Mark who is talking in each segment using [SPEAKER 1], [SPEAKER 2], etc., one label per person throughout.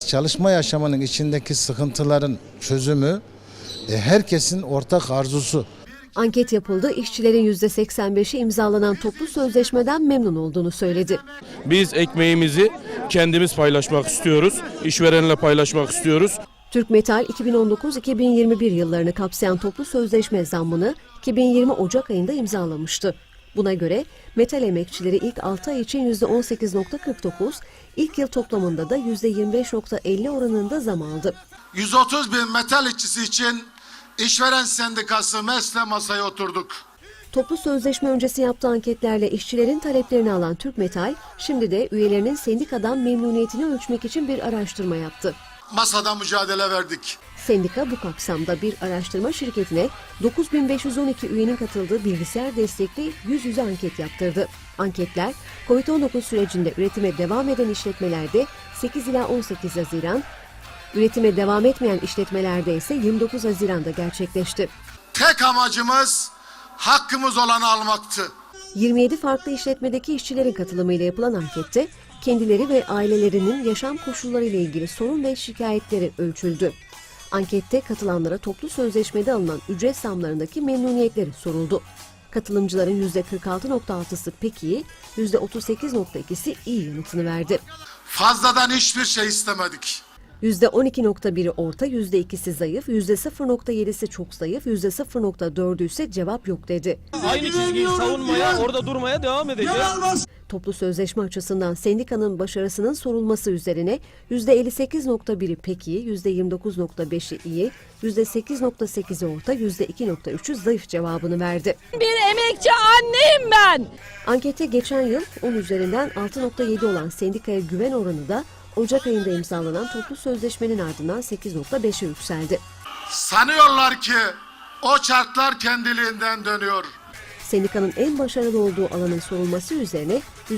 [SPEAKER 1] Çalışma yaşamının içindeki sıkıntıların çözümü herkesin ortak arzusu.
[SPEAKER 2] Anket yapıldı, işçilerin %85'i imzalanan toplu sözleşmeden memnun olduğunu söyledi.
[SPEAKER 3] Biz ekmeğimizi kendimiz paylaşmak istiyoruz, işverenle paylaşmak istiyoruz.
[SPEAKER 2] Türkmetal 2019-2021 yıllarını kapsayan toplu sözleşme zammını 2020 Ocak ayında imzalamıştı. Buna göre metal emekçileri ilk 6 ay için %18,49, ilk yıl toplamında da %25,50 oranında zam aldı.
[SPEAKER 4] 130 bin metal işçisi için işveren sendikası MES'le masaya oturduk.
[SPEAKER 2] Toplu sözleşme öncesi yaptığı anketlerle işçilerin taleplerini alan Türkmetal, şimdi de üyelerinin sendikadan memnuniyetini ölçmek için bir araştırma yaptı.
[SPEAKER 4] Masada mücadele verdik.
[SPEAKER 2] Sendika bu kapsamda bir araştırma şirketine 9512 üyenin katıldığı bilgisayar destekli yüz yüze anket yaptırdı. Anketler, Covid-19 sürecinde üretime devam eden işletmelerde 8 ila 18 Haziran, üretime devam etmeyen işletmelerde ise 29 Haziran'da gerçekleşti.
[SPEAKER 4] Tek amacımız hakkımız olanı almaktı.
[SPEAKER 2] 27 farklı işletmedeki işçilerin katılımıyla yapılan ankette kendileri ve ailelerinin yaşam koşulları ile ilgili sorun ve şikayetleri ölçüldü. Ankette katılanlara toplu sözleşmede alınan ücret zamlarındaki memnuniyetleri soruldu. Katılımcıların %46,6'sı pek iyi, %38,2'si iyi yanıtını verdi.
[SPEAKER 4] Fazladan hiçbir şey istemedik.
[SPEAKER 2] %12,1'i orta, %2'si zayıf, %0,7'si çok zayıf, %0,4'ü ise cevap yok dedi.
[SPEAKER 3] Aynı çizgiyi savunmaya, orada durmaya devam edeceğiz.
[SPEAKER 2] Toplu sözleşme açısından sendikanın başarısının sorulması üzerine %58,1'i pek iyi, %29,5'i iyi, %8,8'i orta, %2,3'ü zayıf cevabını verdi.
[SPEAKER 5] Bir emekçi anneyim ben.
[SPEAKER 2] Ankete geçen yıl 10 üzerinden 6,7 olan sendikaya güven oranı da Ocak ayında imzalanan toplu sözleşmenin ardından 8,5'e yükseldi.
[SPEAKER 4] Sanıyorlar ki o çarklar kendiliğinden dönüyor.
[SPEAKER 2] Sendikanın en başarılı olduğu alanın sorulması üzerine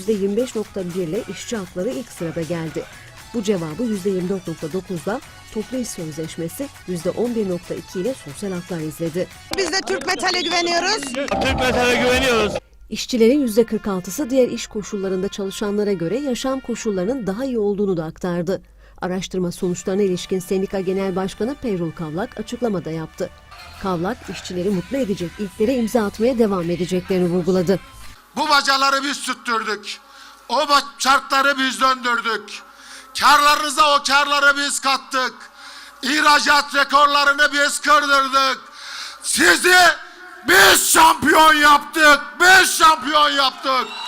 [SPEAKER 2] %25,1 ile işçi hakları ilk sırada geldi. Bu cevabı %24,9'da toplu iş sözleşmesi, %11,2 ile sosyal haklar izledi.
[SPEAKER 6] Biz de Türk Metal'e güveniyoruz.
[SPEAKER 3] Türk Metal'e güveniyoruz.
[SPEAKER 2] İşçilerin %46'sı diğer iş koşullarında çalışanlara göre yaşam koşullarının daha iyi olduğunu da aktardı. Araştırma sonuçlarına ilişkin Sendika Genel Başkanı Peyrul Kavlak açıklamada yaptı. Kavlak, işçileri mutlu edecek ilklere imza atmaya devam edeceklerini vurguladı.
[SPEAKER 4] Bu bacaları biz süttürdük. O çarkları biz döndürdük. Karlarınıza o karları biz kattık. İhracat rekorlarını biz kırdırdık. Sizi biz şampiyon yaptık. Biz şampiyon yaptık.